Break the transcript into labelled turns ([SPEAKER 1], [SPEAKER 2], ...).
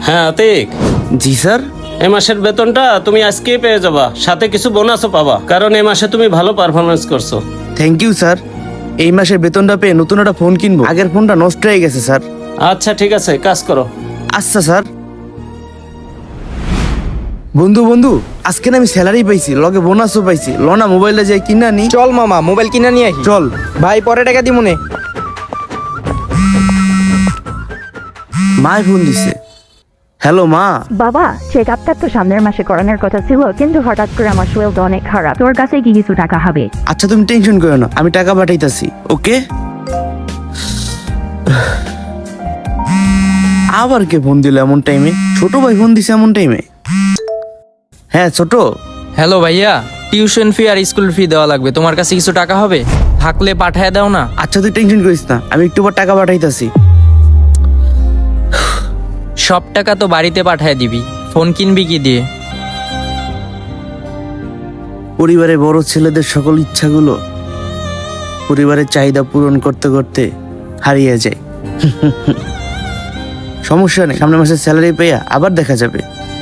[SPEAKER 1] হ্যাঁ আতিক,
[SPEAKER 2] জি স্যার।
[SPEAKER 1] এ মাসের বেতনটা তুমি আজকেই পেয়ে যাবা, সাথে কিছু বোনাসও পাবা, কারণ এই মাসে তুমি ভালো পারফরমেন্স করছো।
[SPEAKER 2] Thank you sir. এই মাসের বেতনটা পেয়ে নতুন একটা ফোন কিনবো, আগের ফোনটা নষ্ট হয়ে গেছে স্যার।
[SPEAKER 1] আচ্ছা ঠিক আছে, কাজ করো।
[SPEAKER 2] আচ্ছা স্যার। বন্ধু বন্ধু, আজকে না আমি স্যালারি পাইছি, লগে বোনাসও পাইছি, লনা মোবাইলটা যাই কিনা নি।
[SPEAKER 3] চল মামা মোবাইল কিনা নিয়ে আসি।
[SPEAKER 2] চল
[SPEAKER 3] ভাই পরে টাকা দিব নে।
[SPEAKER 2] মায় ফোন দিছে। হ্যালো মা।
[SPEAKER 4] বাবা, চেক আপটা তো সামনের মাসে করানোর কথা ছিল, কিন্তু হঠাৎ করে আমার শরীরটা অনেক খারাপ। তোর কাছে কি কিছু টাকা হবে?
[SPEAKER 2] আচ্ছা তুমি টেনশন করো না, আমি টাকা পাঠাইতাছি। ওকে। আবার কে ফোন দিল এমন টাইমে? ছোট ভাই ফোন দিছে এমন টাইমে? হ্যাঁ ছোট।
[SPEAKER 5] হ্যালো ভাইয়া, টিউশন ফি আর স্কুল ফি দেওয়া লাগবে, তোমার কাছে কিছু টাকা হবে? থাকলে পাঠায় দাও না।
[SPEAKER 2] আচ্ছা তুই টেনশন করিস না, আমি একটু পর টাকা পাঠাইতাছি।
[SPEAKER 5] সব টাকা তো বাড়িতে পাঠায় দিবি, ফোন কিনবি কি দিয়ে?
[SPEAKER 2] পরিবারের বড় ছেলেদের সকল ইচ্ছাগুলো পরিবারের চাহিদা পূরণ করতে করতে হারিয়ে যায়। সমস্যা নেই, সামনের মাসে স্যালারি পেয়ে আবার দেখা যাবে।